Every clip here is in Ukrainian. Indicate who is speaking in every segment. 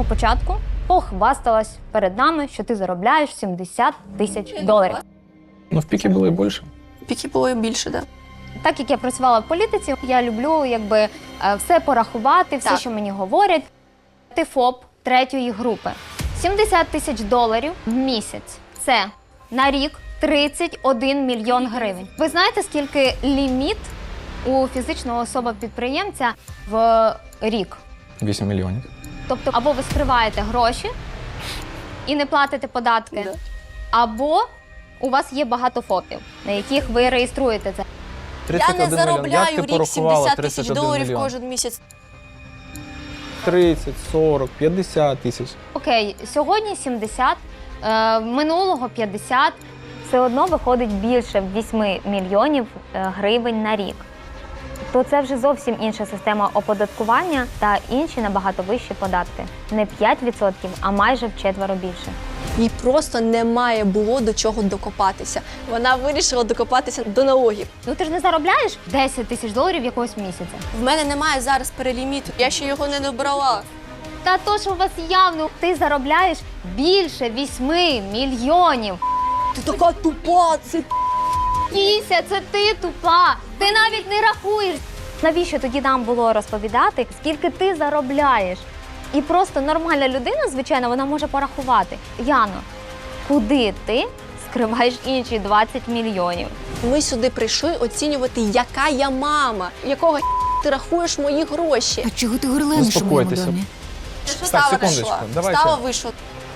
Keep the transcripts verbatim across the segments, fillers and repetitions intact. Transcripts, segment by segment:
Speaker 1: початку похвасталась перед нами, що ти заробляєш сімдесят тисяч доларів.
Speaker 2: Ну, в піки було і більше.
Speaker 3: В піки було і більше, так. Да.
Speaker 1: Так як я працювала в політиці, я люблю якби все порахувати, все,
Speaker 3: так.
Speaker 1: що мені говорять. Ти ФОП третьої групи. сімдесят тисяч доларів в місяць. Це на рік тридцять один мільйон гривень. Ви знаєте, скільки ліміт у фізичного особи-підприємця в рік?
Speaker 2: вісім мільйонів.
Speaker 1: Тобто, або ви скриваєте гроші і не платите податки,
Speaker 3: Да.
Speaker 1: або у вас є багато ФОПів, на яких ви реєструєте це.
Speaker 3: Я не заробляю в рік сімдесят тисяч доларів кожен місяць.
Speaker 2: тридцять, сорок, п'ятдесят тисяч.
Speaker 1: Окей, сьогодні сімдесят, е, минулого п'ятдесят. Все одно виходить більше вісім мільйонів е, гривень на рік. То це вже зовсім інша система оподаткування та інші набагато вищі податки. Не п'ять відсотків, а майже вчетверо більше.
Speaker 3: Їй просто немає було до чого докопатися. Вона вирішила докопатися до налогів.
Speaker 1: Ну ти ж не заробляєш десять тисяч доларів якогось місяця.
Speaker 3: В мене немає зараз переліміту, я ще його не добрала.
Speaker 1: Та то, що у вас явно, ти заробляєш більше вісьми мільйонів.
Speaker 3: Ти така тупа, це
Speaker 1: Кіся, це ти тупа. Ти навіть не рахуєш. Навіщо тоді нам було розповідати, скільки ти заробляєш? І просто нормальна людина, звичайно, вона може порахувати. Яно, куди ти скриваєш інші двадцять мільйонів?
Speaker 3: Ми сюди прийшли оцінювати, яка я мама, якого ти рахуєш мої гроші.
Speaker 4: А чого ти горланиш у моєму
Speaker 2: Заспокойтеся.
Speaker 4: домі?
Speaker 3: Става
Speaker 2: секундочку,
Speaker 3: вийшла.
Speaker 2: давайте.
Speaker 3: Става вийшла.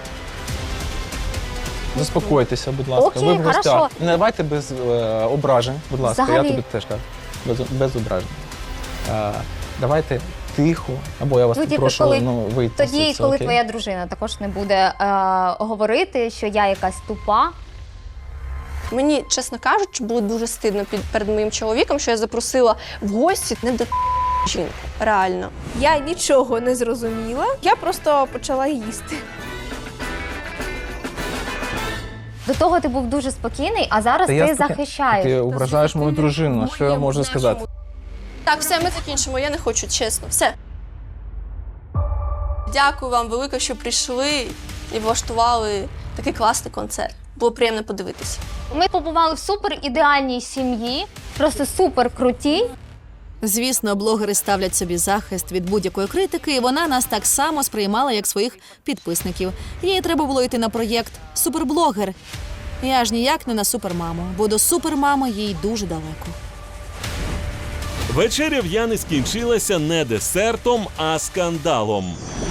Speaker 2: Заспокойтеся, будь ласка.
Speaker 1: Окей,
Speaker 2: Ви в гостях.
Speaker 1: хорошо.
Speaker 2: Не давайте без е, ображень, будь ласка.
Speaker 1: Взагалі.
Speaker 2: Я тобі теж кажу. Без, без ображень. Е, давайте тихо, або я вас
Speaker 1: Ну, тільки
Speaker 2: попрошу
Speaker 1: коли-
Speaker 2: ну, вийти.
Speaker 1: Тоді,
Speaker 2: звідси,
Speaker 1: коли
Speaker 2: окей?
Speaker 1: твоя дружина також не буде е, говорити, що я якась тупа.
Speaker 3: Мені, чесно кажучи, було дуже стидно під, перед моїм чоловіком, що я запросила в гості не до жінку. Реально.
Speaker 5: Я нічого не зрозуміла, я просто почала їсти.
Speaker 1: До того ти був дуже спокійний, а зараз
Speaker 2: Та
Speaker 1: ти
Speaker 2: я споки-
Speaker 1: захищаєш.
Speaker 2: Ти ображаєш мою дружину, що я можу сказати?
Speaker 3: Так, все, ми закінчимо, я не хочу, чесно. Все. Дякую вам велике, що прийшли і влаштували такий класний концерт. Було приємно подивитися.
Speaker 1: Ми побували в супер ідеальній сім'ї, просто супер крутій.
Speaker 4: Звісно, блогери ставлять собі захист від будь-якої критики, і вона нас так само сприймала, як своїх підписників. Їй треба було йти на проєкт «Суперблогер». І аж ніяк не на супермаму, бо до супермами їй дуже далеко.
Speaker 6: Вечеря в Яни скінчилася не десертом, а скандалом.